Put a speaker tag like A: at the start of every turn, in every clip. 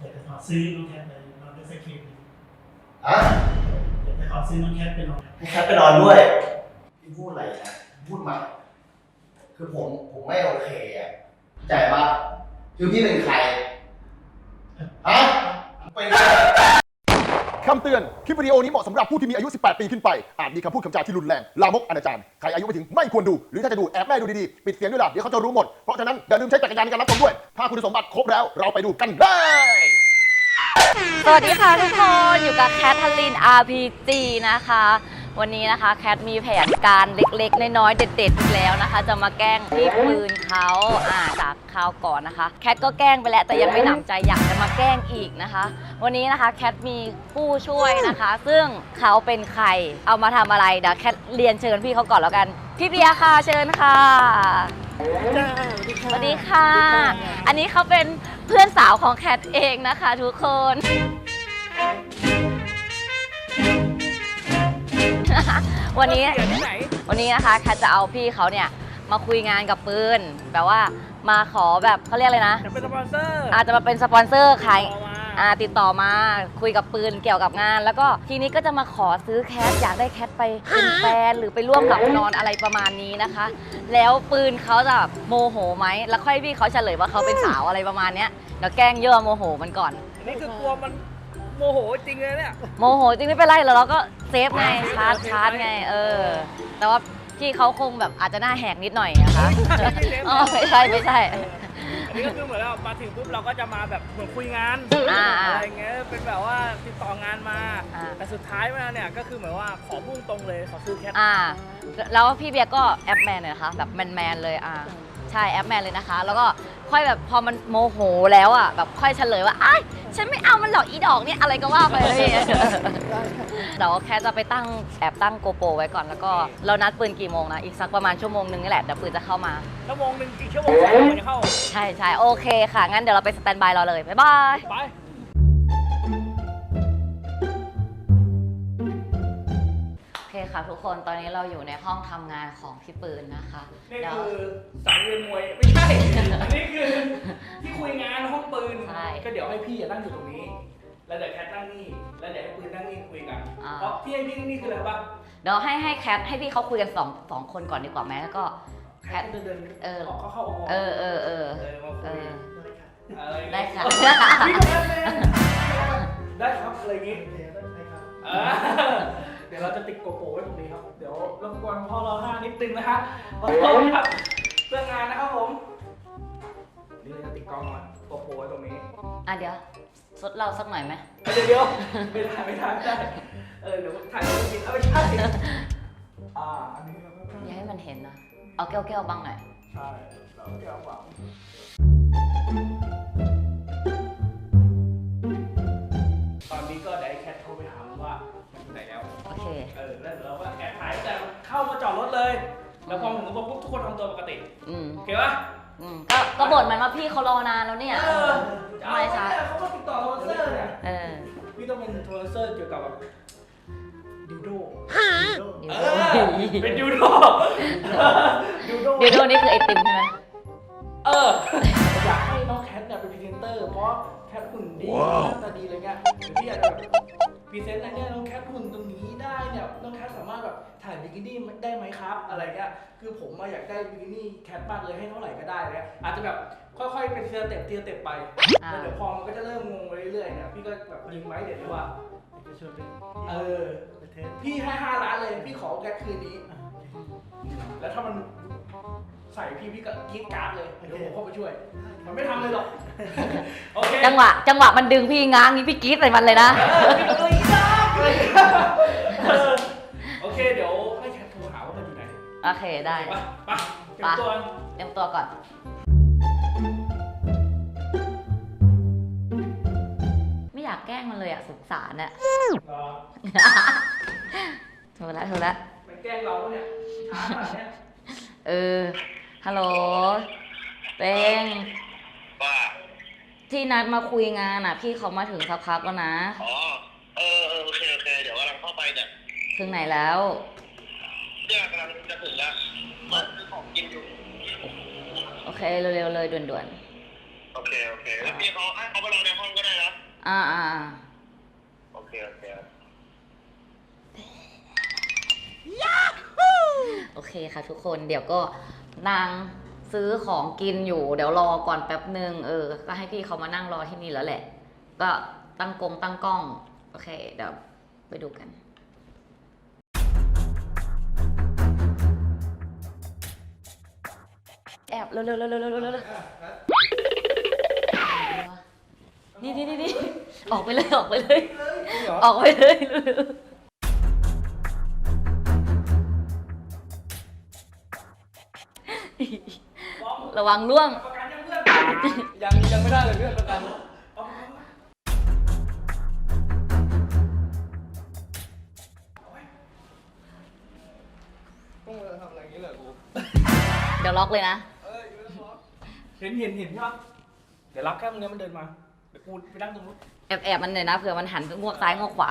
A: อยากจะขอซื้อน้องแคทไปนอนด้วยสักคืน
B: อะ
A: อยากจะขอซื้อน้องแคทไปนอน
B: ให้แคทไปนอนด้วยพี่พูดอะไรนะพูดมาคือผมไม่โอเคอ่ะใจปะคือพี่เป็นใครฮะเป็นใคร
C: คำเตือน คลิปวิดีโอนี้เหมาะสำหรับผู้ที่มีอายุ 18 ปีขึ้นไป อาจมีคำพูดคำจาที่รุนแรง ลามกอนาจารใครอายุไม่ถึงไม่ควรดู หรือถ้าจะดูแอบแม่ดูดีๆ ปิดเสียงด้วยล่ะ เดี๋ยวเขาจะรู้หมด เพราะฉะนั้นอย่าลืมใช้จักรยานในการรับชมด้วย ถ้าคุณสมบัติครบแล้ว เราไปดูกันเลย
D: สวัสดีค่ะทุกคน อยู่กับแคทเธอรีน RPG นะคะ วันนี้นะคะแคทมีแผนการเล็กๆน้อยๆเด็ดๆอีกแล้วนะคะ จะมาแกล้งพี่ปืนเขาจากคราวก่อนนะคะแคทก็แกล้งไปแล้วแต่ยังไม่หนำใจอยากจะมาแกล้งอีกนะคะ วันนี้นะคะแคทมีผู้ช่วยนะคะ ซึ่งเขาเป็นใครเอามาทำอะไรเดี๋ยวแคทเรียนเชิญพี่เขาก่อนแล้วกันพี่เบียร์ค่ะเชิญค่ะสวัสดีค่ะอันนี้เขาเป็นเพื่อนสาวของแคทเองนะคะทุกคนวันนี้นะคะแคทจะเอาพี่เขาเนี่ยมาคุยงานกับปืนแบบว่ามาขอแบบเขาเรียกอะไรนะ
E: จะเป็นสปอนเซอร์
D: อาจจะมาเป็นสปอนเซอร์ขายติดต่อมาคุยกับปืนเกี่ยวกับงานแล้วก็ทีนี้ก็จะมาขอซื้อแคทอยากได้แคทไปเป็นแฟนหรือไปร่วมหลับนอนอะไรประมาณนี้นะคะ แล้วปืนเขาจะโมโหไหมแล้วค่อยพี่เขาเฉลยว่าเขาเป็นสาวอะไรประมาณเนี้ยเดี๋ยวแกล้งยั่วโมโหมันก่อน
E: อันนี้คือกลัวมันโมโหจริงเลยเนี่ย
D: โมโหจริงไม่เป็นไรเราก็เซฟไงชาร์จไงแต่ว่าพี่เขาคงแบบอาจจะหน้าแหกนิดหน่อยนะคะไม่ใช่
E: อันนี้ก็คือเหมือนเรามาถึงปุ๊บเราก็จะมาแบบเหมือนคุยงานอะไรเงี้ยเป็นแบบว่าติดต่องานมาแต่สุดท้ายมาเนี่ยก็คือเหมือนว่าขอพุ่งตรงเลยขอซื้อแคท
D: แล้วพี่เบียร์ก็แอปแมนเลยนะคะแบบแมนเลยใช่แอปแมนเลยนะคะแล้วก็ค่อยแบบพอมันโมโหแล้วแบบค่อยเฉลยว่าอ้ายฉันไม่เอามันหรอกอีดอกเนี่ยอะไรก็ว่าไปเลยเดี๋ยวแค่จะไปแอบตั้งโกโปรไว้ก่อนแล้วก็เรานัดปืนกี่โมงนะอีกสักประมาณชั่วโมงนึงนี่แหละเดี๋ยวปืนจะเข้ามา
E: ชั่วโมงนึงกี่ชั่วโมง2 ชั่วโมงจะเข้า
D: ใช่โอเคค่ะงั้นเดี๋ยวเราไปสแตนบายรอเลยบ๊ายบาย
E: ไป
D: โอเคค่ะทุกคนตอนนี้เราอยู่ในห้องทำงานของพี่ปืนนะคะ
E: นี่คือสังเวียนมวยไม่ใช่อันนี้คือที่คุยงานห้องปืนก็เดี๋ยวให้พี่นั่งอยู่ตรงนี้แล้วเดี๋ยวแคทนั่งนี่แล้วเดี๋ยวให้ปืนนั่งนี่คุยกันเพราะที่ให้พี่นั่งนี่คืออะไรบ้าง
D: เดี๋ยวให้แคทให้พี่เขาคุยกันสองคนก่อนดีกว่าไหมแล้วก็
E: แคทเดินเข้ามาคุย
D: ได้ค่ะ
E: ได้ครับอะไรอย่างงี้เดี๋ยวเราจะติดโกโปรไว้ตรงนี้ครับเดี๋ยวรบกวนพ่อเรานิดนึงนะคะขอโทษครับเรื่องงานนะครับผมนี่เราจะติดกล้องโกโปรไว้ตรงนี้
D: เดี๋ยวสดเราสักหน่อยไหม
E: เดี๋ยวไม่ได้เดี๋ยวถ่ายรูปกินไม่ใช่อันนี้
D: อย่าให้มันเห็นนะเอาแก้วบังหน่อย
E: ใช่เอาแก้วบังตอนนี้ก็ได้แคทโทรไปถามว่าไหนแล้ว
D: โอเค
E: แล้วเราก็แอบถ่ายแต่เข้ามาจอดรถเลยแล้วพอผมก็บอกปุ๊บทุกคนทำตัวปกติโอเคปะ
D: ก็บ่นมันว่าพี่เขารอนานแล้วเนี่ย
E: ทำไมช้าเขาก็ติดต่อโทรเซอร์เนี่ยพี่ต้องเป็นโทรเซอร์เกี่ยวกับแบบดิวโดเป็นดิวโด
D: นี่คือไอติมใช่ไหม
E: อยากให้น้องแคทเนี่ยเป็นพรีเซนเตอร์เพราะแคทหุ่นดีหน้าตาดีอะไรเงี้ยเดี๋ยวพี่อยากจะแบบพรีเซนต์อะไรเนี่ยน้องแคทหุ่นตรงนี้ได้เนี่ยน้องแคทสามารถแบบถ่ายบิกินี่ได้ไหมครับอะไรเงี้ยคือผมอยากได้บิกินี่แคทมากเลยให้เท่าไหร่ก็ได้เลยอาจจะแบบค่อยๆเป็นทีละเต็ปไปแล้วเดี๋ยวพอมันก็จะเริ่มงงไปเรื่อยๆเนี่ยพี่ก็แบบยิงไว้เดี๋ยวว่าจะชวนไปพี่ให้5 ล้านเลยพี่ขอแคทคืนนี้แล้วถ้ามันใส่พี่ก็กรี๊ดการ์ดเลยเดี๋ยวผมเข้าไปช่วยมันไม่ทำเลยหรอกโอเค
D: จังหวะมันดึงพี่ง้างนี้พี่กรี๊ดใส่มันเลยนะ
E: โอเคเดี๋ยวให้แคทโทรหาว่ามันอยู่ไหน
D: โอเคได้
E: ไปเตรีย
D: มตัวก่อนไม่อยากแกล้งมันเลยสงสารโทรละ
E: มันแกล้งเราเนี่ยช้าขนาดนี้
D: ฮัลโหลเต็งที่นัดมาคุยงานพี่เขามาถึงสักพักแล้วนะ
B: โอเคเดี๋ยวกำลังเข้าไปเนี่ย
D: ถึงไหนแล้ว
B: เนี่ยกำลังจะถึงแล้วมันคือของกินอยู่
D: โอเคเร็วๆเลยด่วน
B: โอเคแล้วพี่เขาไปรอในห้องก็ได้นะ
D: อ่า
B: โอเค
D: โอเคค่ะทุกคนเดี๋ยวก็นางซื้อของกินอยู่เดี๋ยวรอก่อนแป๊บหนึ่งก็ให้พี่เขามานั่งรอที่นี่แล้วแหละ ก็ตั้งกล้องโอเคเดี๋ยวไปดูกันแอบเร็วนี่ออกไปเลยระวังล่วง
E: ประกันยังเพื่อนยังไม่ได้เลยเพื่อนประกันต้องมาทำอะไรอย่างนี้เหรอกู
D: เดี๋ยวล็อกเลยนะ
E: เห็นใช่ปะเดี๋ยวรับแค่ตรงนี้มันเดินมาเดี๋ยวกูไปนั่งตรงนู้น
D: แอบมันหน่อยนะเผื่อมันหันไปงวกซ้ายงวกขวา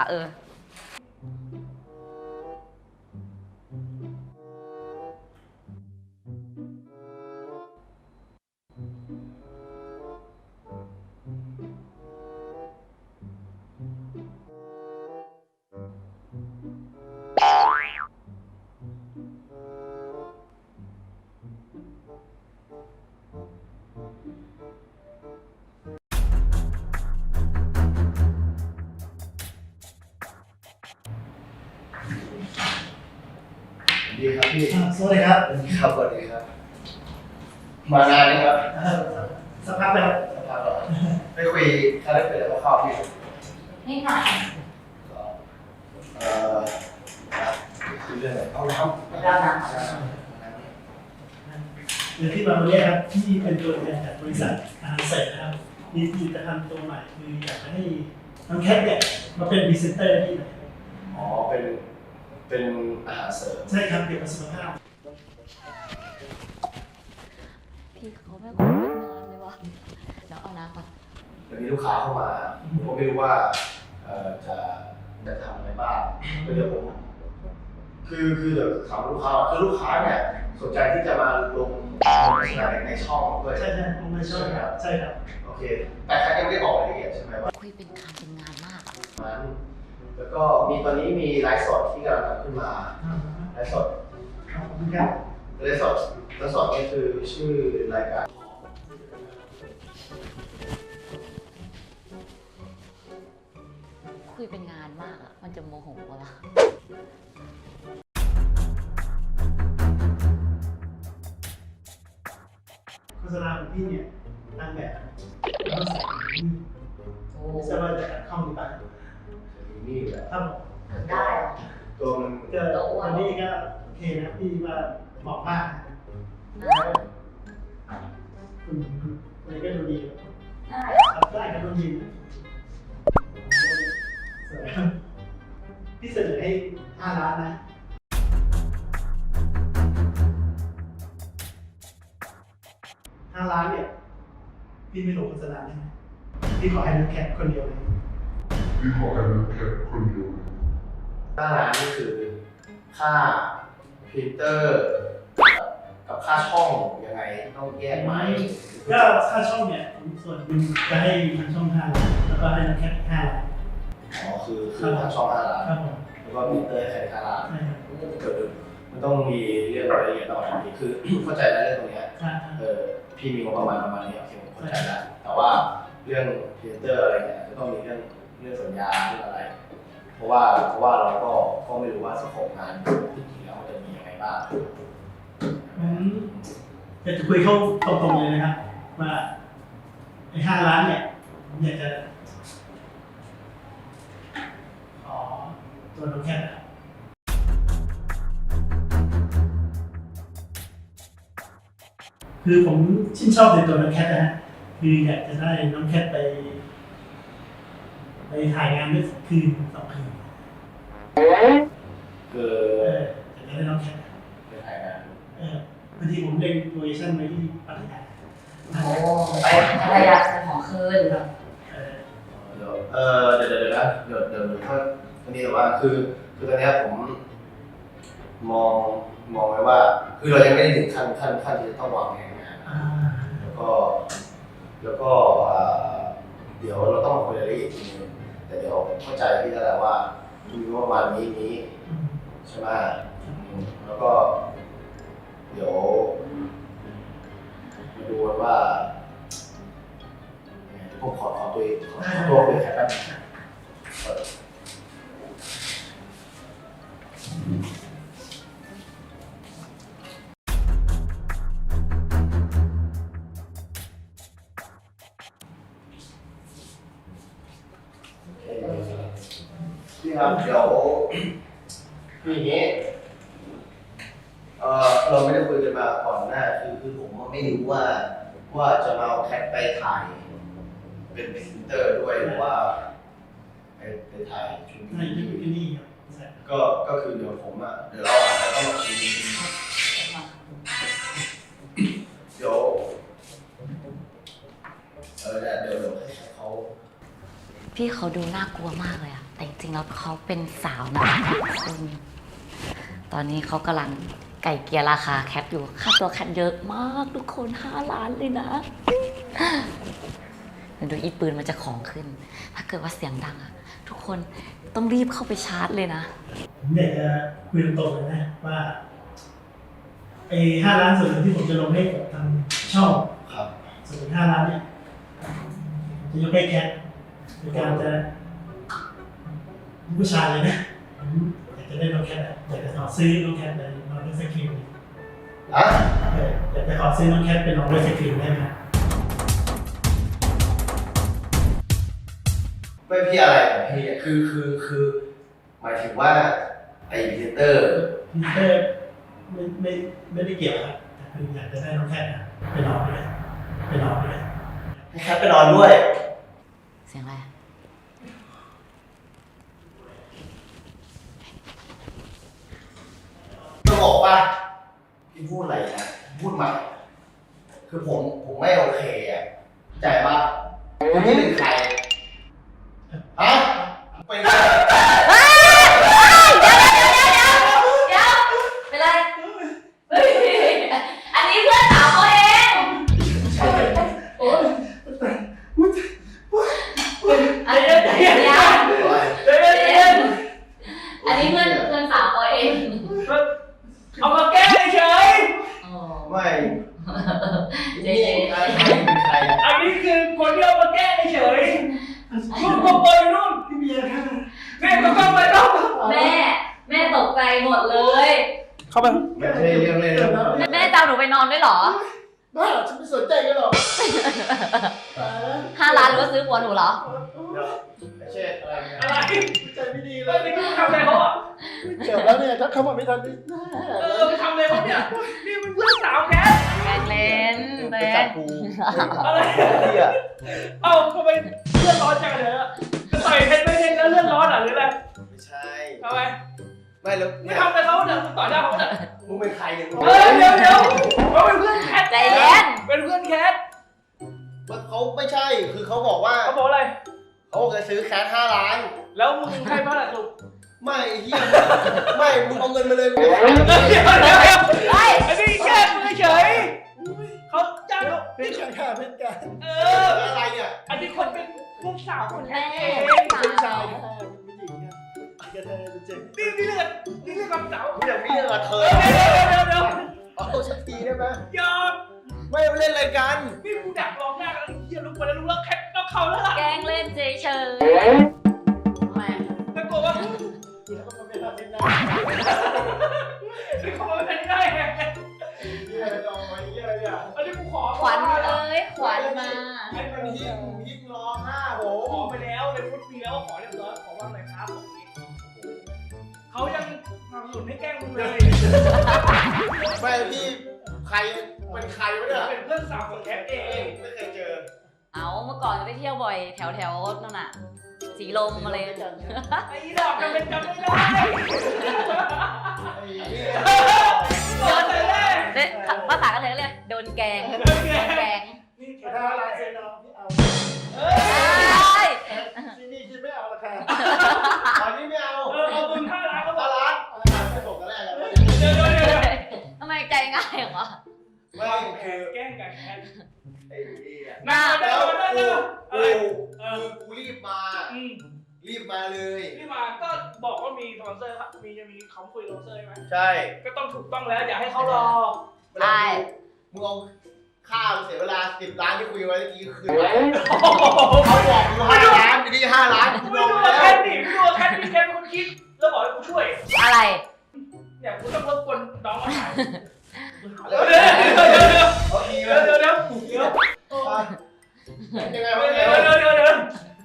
B: ดีครับพี่
A: สวัสดีครับ
B: ครับสวัสดีครับมานานไหมครับ
A: สักพักแล้ว
B: สักพักแล้วไปคุยคาแรคเตอร์คร่าวๆพี่
D: นี่หน่อย
B: คือเรื่องอะไรเอาน้ำ
D: แล้วนะ
A: เดี๋ยวที่มาวันนี้ครับที่เป็นตัวแทนจากบริษัทอาหารเสริมนะครับมีผลิตภัณฑ์ตัวใหม่คืออยากจะให้น้องแคทเนี่ยมาเป็นพรีเซนเตอร์ที่ไหน
B: อ๋อเป็นอาหารเสริม
A: ใช่ครับเกี่ยวกับสุขภาพ
D: พี่เขาไม่ค่อยเป็นงานเลยวะเดี๋ยวเอาน้ำก่อน
B: แล้วมีลูกค้าเข้ามาผมไม่รู้ว่าจะทำอะไรบ้างก็เดี๋ยวผมคือเดี๋ยวถามลูกค้าคือลูกค้าเนี่ยสนใจที่จะมาลงโฆษณาในช่องด้วย
A: ใช่ผมไม่ชอบครับใช่ครับ
B: โอเคแต่เขายังไม่ได้บอกรายละเอียดใช่ไหมว่า
D: คุยเป็นการเป็นงานมากอะ
B: นั้นแล้วก็มีตอนนี้มีไลฟ์สดที่กำลังทำขึ้นมาไลฟ์สด
A: ขอบคุณครับ
B: ไลฟ์สดนี่คือชื่อรายการ
D: คุยเป็นงานมากอะมันจะโมโหวะ
A: โฆษณาของพี่เนี่ยตั้งแบบแล้วใส่ไม่ทราบว่าจะตัดเข้าหรือเปล่า
B: นี่แหละ
A: ครับผม
D: ได้เหรอ
B: ตัวมัน
A: ก็วันนี้ก็โอเคนะพี่ว่าเหมาะมากคุณอะไรก็ดูดี
D: ได้
A: ครับได้ครับดูดีสวยครับพี่เสนอให้5 ล้านนะ5 ล้านเนี่ยพี่ไม่ลงโฆษณาได้ไหมพี่ขอให้น้องแคทคนเดียวเลย
B: หน้าร้านนี่คือค่าพรินเตอร์กับค่าช่องยังไงต้องแยกไหม
A: ก็ค่าช่องเนี่ยผมส่วนหนึ่งจะให้ทางช่อง5 ล้านแล้วก็ให้น้องแคท5 ล้าน
B: อ๋อคือทางช่อง5 ล้าน
A: ครับผม
B: แล้วก็พรินเตอร์ให้5 ล้าน
A: ใช่ครับ
B: มันต้องมีเรื่องรายละเอียดต่อไปคือ เข้าใจแล้วเรื่องตรงเนี้ย
A: อ่า
B: พี่มีงบประมาณนี้โอเคผมเข้าใจแล้วแต่ว่าเรื่องพรีเซนเตอร์อะไรเนี่ยจะต้องมีเรื่องสัญญาเรื่องอะไร เพราะว่าเราก็ไม่รู้ว่าสโคปงานจริงๆแล้วมันจะมียังไงบ้าง
A: อยากจะคุยเข้าตรงๆเลยนะครับว่าไอ้5 ล้านเนี่ยผมอยากจะขอตัวน้องแคทนะครับคือผมชื่นชอบในตัวน้องแคทนะฮะคืออยากจะได้น้องแคทไปถ่ายงานด้วยคืน2 คืน
B: คือ
A: อยากจะได้น้องแคท
B: ไปถ่ายงาน
A: พอดีผมเล็งโลเคชั่นไว้ที่พัทยา
D: โอ้ไปภรรยาเป็นของคืน
A: ครับ
B: เดี๋ยวนะเดี๋ยวถ้าตอนนี้แต่ว่าคือตอนนี้ผมมองไว้ว่าคือเรายังไม่ได้ถึงขั้นที่จะต้องวางแผนงาน
A: อ่า
B: แล้วก็เดี๋ยวเราต้องมาคุยรายละเอียดทีนึงแต่เดี๋ยวเข้าใจพี่แล้วแหละว่ามีประมาณนี้ใช่ไหมแล้วก็ เดี๋ยวมาดูกันว่าผมขอตัวคุยแค่แป๊บนึงพี่ครับเดี๋ยวคืออย่างนี้เราไม่ได้คุยกันมาก่อนหน้าคือผมไม่รู้ว่าจะมาเอาแคทไปถ่ายเป็นพรีเซนเตอร์ด้วยหรือว่าไปถ่ายชุด
A: ในที่ที่นี่ครับ
B: ก็คือเดี๋ยวผมเดี๋ยวเราอาจจะต้องคุยเดี๋ยวเดี๋ยวให้เขา
D: พี่เขาดูน่ากลัวมากเลยอะแต่จริงๆแล้วเขาเป็นสาวนะตอนนี้เขากำลังไก่เกลียราคาแคปอยู่ค่าตัวแคปเยอะมากทุกคน5 ล้านเลยนะเดี๋ยวดูอีปืนมันจะของขึ้นถ้าเกิดว่าเสียงดังอะทุกคนต้องรีบเข้าไปชาร์จเลยนะ
A: ผมอยากจะคุยตรงๆเลยนะว่าไอ้5 ล้านส่วนหนึ่งที่ผมจะลงให้กับทางช่อง
B: ครับ
A: ส่วน5 ล้านเนี่ยจะยกให้แคทในการจะผู้ชายเลยนะอยากจะได้น้องแคทอยากจะขอซื้อน้องแคทไปนอนด้วยสครีมอยากจะขอซื้อน้องแคทไปนอนด้วยสครีมได้ไหม
B: ไม่พี่อะไรของพี่คือหมายถึงว่าไอ้พรีเซนเตอร์
A: ไม่ได้เกี่ยวครับแต่คืออยากจะได้น้องแคทไปนอนด้วย
B: ให้แคทไปนอนด้วย
D: เสียงอะไร
B: จะบอกว่าพี่พูดอะไรนะพูดใหม่คือผมไม่โอเคใจปะคือพี่เป็นใครฮะเป็นใคร
D: เดี๋ยวเป็นไรเฮ้ยอันนี้เพื่อนสาวเขาเองอันนี้เดี๋ยวอันนี้เพื่อนสาวเขาเอง
E: เอามาแก้เฉย
B: ไม่
D: เจ
B: ใครเป็นใคร
E: อันนี้คือคนที่เอามาแก้เฉยนู่นก็ไปนู่น
A: พี่เบียร์ครับ
E: แม่ก็ไปนู่น
D: แม่ตกใจหมดเลย
E: เข้าไป
B: ไม่ใช่เรื่องเล่น
D: แม่จะเอาหนูไปนอนด้วยเหรอ
A: บ้าฉันไม่สนใจกันหรอก
D: 5 ล้านหรือว่าซื้อหัวหนูเหรอ
B: ไม่ใช่อะไรเนี่ย
E: อะไร
A: ใจไม่ดีเล
E: เฮ้ย
A: ย
E: นี่ทำอะไรเขาอ่ะ
A: เจ็บแล้วเนี่ยถ้าเขามาไม่ทันนี่
E: ไปทำอะไรเขาเนี่ยนี่มันเพื่อนสาวแก
D: แกล้งเล่น
B: ไป
D: เล่
B: จับ
D: น
B: กู
E: อะไร
B: พี่อะ
E: เอ้าทำไมเลือดร้อนจังเลยอ่ะจะต่อยเพชรไม่เพชรแล้วเลือดร้อนอ่ะหรืออะไร
B: ไม่ใช่
E: ทำไม
B: ไม่แล้ว
E: ไม่ทำอะไรเขาเนี่ยมึงต่อยหน้าเขาเนี่ย
B: มึงเป็นใครเนี่ย
E: เดี๋ยวเขาเป็นเพื่อนแคท
D: ใจเย็น
E: เป็นเพื่อนแคท
B: เขาไม่ใช่คือเขาบอกว่า
E: เขาบอกอะไร
B: เขาบอกจะซื้อแคท5 ล้าน
E: แล้วมึงให้บ้านอะไรลูก
B: ไม่เฮียไม่มึงเอาเงินมาเลย
E: เดี๋ยวอันนี้แค่มือเฉยเขาจ้างเขา
A: เป็นการฆ่าเป็นการ
B: อะไรเนี่ย
E: อันนี้คนเป็นลูกสาวคนแรกเอง
A: ผู้ชายเป็นผู้หญิงครับกระเทยเป็นเจ็บ
E: นี่เลือดกับสาว
B: มึงอย่างนี้เหรอเธอ
E: เดี๋ยว
B: เอาสักทีได้ไหม
E: ยอม
B: ไม่เล่นอะไรกัน
E: นี่กูดักรองหน้ากันเฮียลุกไปแล้วลุกแล้วแคทต้องเขาแล้วล่ะ
D: แกล้งเล่นเฉยๆทำไม
E: ตะโกนว่า
A: แล้วก็มาเป็นแบบนี้นะ
E: ไอ้ขโมยเป็นได้ไง
A: เยี่ยมเอาไว้เยี่ยมเนี่ย
E: อันนี้กูขอ
D: ขวัญเอ้ยขวัญมา
B: ให้มันยิ้มร้องห้าโห
E: ขอไปแล้วในฟุตปีแล้วขอเรียบร้อยขอว่าอะไรครับตรงนี้เขายังสนับสนุนให้แกล้งมึงเลย
B: ไม่พี่ใครเป็นใครวะเนี่ย
E: เป็นเพื่อนสาวของแคทเอง
B: ไม่เคยเจอ
D: เอาเมื่อก่อนไปเที่ยวบ่อยแถวนั่นน่ะ สีลมอะไร
E: ไอ้ดอกกันเป็นจำไม่ได้
B: ไอ้เหี้ย
E: โดนแต่แรก
D: เด็ภาษากันเลยเรียกโดนแกง แกง
E: นี่แค
A: ถ้า
E: ท
A: ลายเซ็นน้องที่เอา
D: ใช่
A: ที่นี่คิดไม่เอาราคา
B: ตอนนี้ไม่เอา
E: เอามึง5 ล้านก็พอ
B: 5 ล้านไม่บอกกันแรกแล้ว
E: เดี๋ยว
D: ทำไมใจง่ายเหรอ
B: ไม่คือ
E: แกล้งกันแคท
B: ไอ้เหี้ย
E: นั่ง
B: แล้ว
E: อะไร
B: กูคือกูรีบมา รีบมาเลย
E: พี่มาก็บอกว่ามีสปอนเซอร์ครับจะมีเขาคุยสปอนเซอร์ใช่ไหม
B: ใช่
E: ก็ต้องถูกต้องแล้วอย่าให้เขารอ
D: ใช่
B: มึงเอาค่าเสียเวลา10 ล้านที่คุยไว้เมื่อกี้คืนไปเขาบอกกู5 ล้านทีนี้5 ล้านกู
E: ไม่
B: ลง
E: ดู
B: แล้
E: แคว ทดิไม่ดูแคทมีแคทเป็นคนคิดแล้วบอกให้กูช่วย
D: อะไร
E: เนี่ยกูต้องรบกวนน้องมาถ่าย
B: เดี๋ยว
E: เดี๋ยว
B: เดี๋ยว
E: เดี๋ยว
B: เดี๋ยวยังไงวะ
E: เดี๋ยว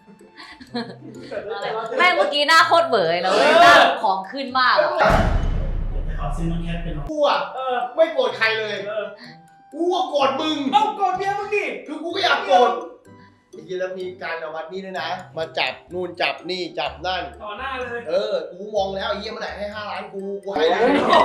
D: แม่งเมื่อกี้หน้าโคตรเบื่อเลยหน้าของขึ้นมากอะ
A: จะขอซื้อน้องแคทเป็นน้อง
B: กูอ่ะไม่โกรธใครเลยกูก็โกรธมึง
E: เอากดเมียมึงดิ
B: คือกูก็อยากโกรธจริงๆแล้วมีการเอามัดนี่ด้วยนะ มาจับนู่นจับนี่จับนั่น
E: ต่อหน้าเลย
B: กูมองแล้วไอ้เหี้ยเมื่อไหร่ให้5 ล้านกูให้เลย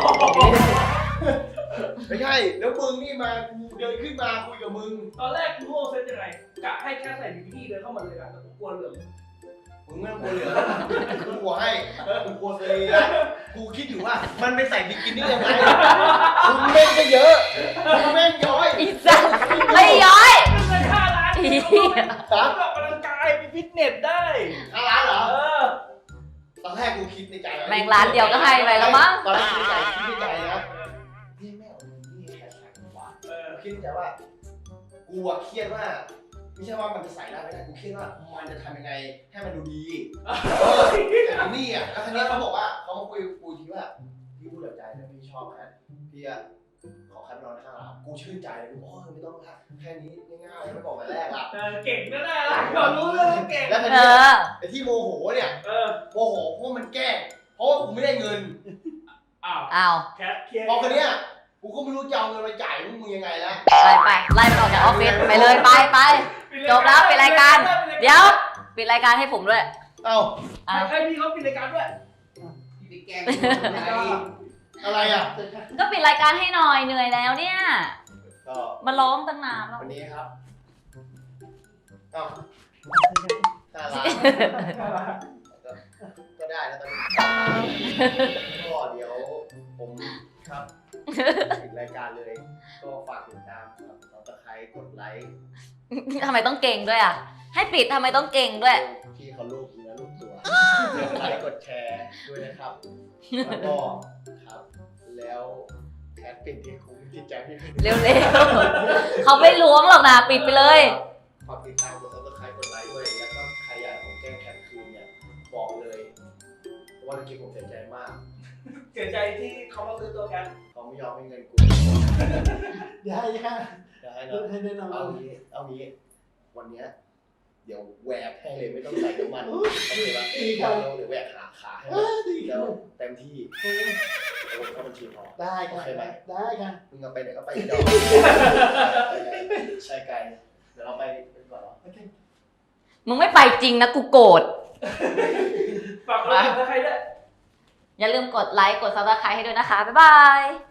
B: ไม่ใช่ แล้วมึงนี่มากูเดินขึ้นมาคุยกับมึง
E: ตอนแรกกูรู้ว่าเซตยังไงกะให้แค่ใส่บิกินี่เดินเข้ามาเลยอะแต่กูกลัวเหลือง
B: มึงไม่ต้องกลัวเหลือกูกลัวให้กูกลัวเลยนะกูคิดอยู่ว่ามันไปใส่บิกินี่ยังไงมึงแม่งก็เยอะมึงแม่งย้อย
D: อีสัตว์ไม่ย้อย
E: เงิน5 ล้าน
D: อี
E: กูออกกำลังกายไปฟิตเนสได้
B: 5 ล้านเหรอ
E: อ
B: ตอนแรกกูคิดในใจ
D: แม่งร้านเดียวก็ให้ไปแล้วมั้ง
B: ตอนแรกคิดในใจนะพี่แม่เอานี่แค่ใส่หัวคิดในใจว่ากูอะเครียดว่าไม่ใช่ว่ามันจะใส่ได้ไม่ได้กูเครียดว่ามันจะทำยังไงให้มันดูดีแต่นี่อ่ะแล้วทีนี้เขาบอกว่าเขามาคุยกับกูทีว่าพี่พูดแบบใจนะพี่ชอบแค่พี่อะขอคัดนอน5 ล้านกูชื่นใจเลยกูไม่ต้องละแค่นี้ง่ายๆไม่บอกแต่แรกอ่ะ
E: เก่งแน่ๆล่ะก่อนรู้เรื่องเก่ง
B: แล้วที
D: เอ
B: นี้
D: อ
B: ไอ้ที่โมโหเนี่ย
E: เออ
B: โมโหเพราะมันแกล้งเพราะว่ากูไม่ได้เงิน
E: อ้าว
D: อ้าว
E: แคทเคลียร์
B: พอคนเนี้ยกูก็ไม่รู้จะเอาเงินมาจ่ายมึงยังไงแล้ว
D: ไปไล่มันออกจากออฟฟิศไปเลยไปจบแล้วปิดรายการ เดี๋ยว ปิดรายการให้ผมด้วย
B: เอ้า
D: อ่ะ
E: ให้พี่เขาปิดรายการด้วย
B: พี่ไปแกล้งอะไรอ่ะ
D: ก็ปิดรายการให้หน่อยเหนื่อยแล้วเนี่ย
B: ก็
D: มาร้องตั้งนานแล้ว
B: วันนี้ครับเอ้า5 ล้านก็ได้แล้วตอนนี้ก็เดี๋ยวผมครับปิดรายการเลย ก็ฝากติดตามครับSubscribeกดไลค์
D: ทำไมต้องเก่งด้วยอ่ะ ให้ปิดทำไมต้องเก่งด้วย
B: ที่เขาลูกเนื้อลูกตัวกดไลค์กดแชร์ด้วยนะครับแล้วก็ครับ แล้วแคทเป็นที่คุ้มจิตใจพี่
D: เร็วๆ เขาไม่ล้วงหรอกนะปิดไปเลย
B: ฝากติดตามกด Subscribe กดไลค์ด้วยแล้วก็ใครอยากให้ผมแกล้งแคทคืนเนี่ยบอกเลยว่าเมื่อกี้ผมเสียใจมาก
E: เสียใจที่เขามาซื้อตัวแคท
B: เขาไม่ยอมให้เงินกู
A: อย่าให้ค่ะ
B: เดี๋ยวให้
A: เลิกให้แน่นอน
B: เอางี้วันเนี้ยเดี๋ยวแหวกให้เลยไม่ต้องใส่น้ำมันโอเคปะเดี๋ยวแหวกขาให้แล้วเต็มที่โอนเข้าบัญชีพอ
A: ได้
B: โอ
A: ค่ะ
B: เคไหม
A: ได้ค่ะ
B: มึงเอาไปไหนก็ไปดอกใช่ไกลเดี๋ยวเราไปก่อนเหรอ
D: มึงไม่ไปจริงนะกูโกรธ
E: ฝากกดไลค์กดซับสไครต์ด้วย
D: อย่าลืมกดไลค์ กดซับสไครต์ให้ด้วยนะคะ บ๊ายบาย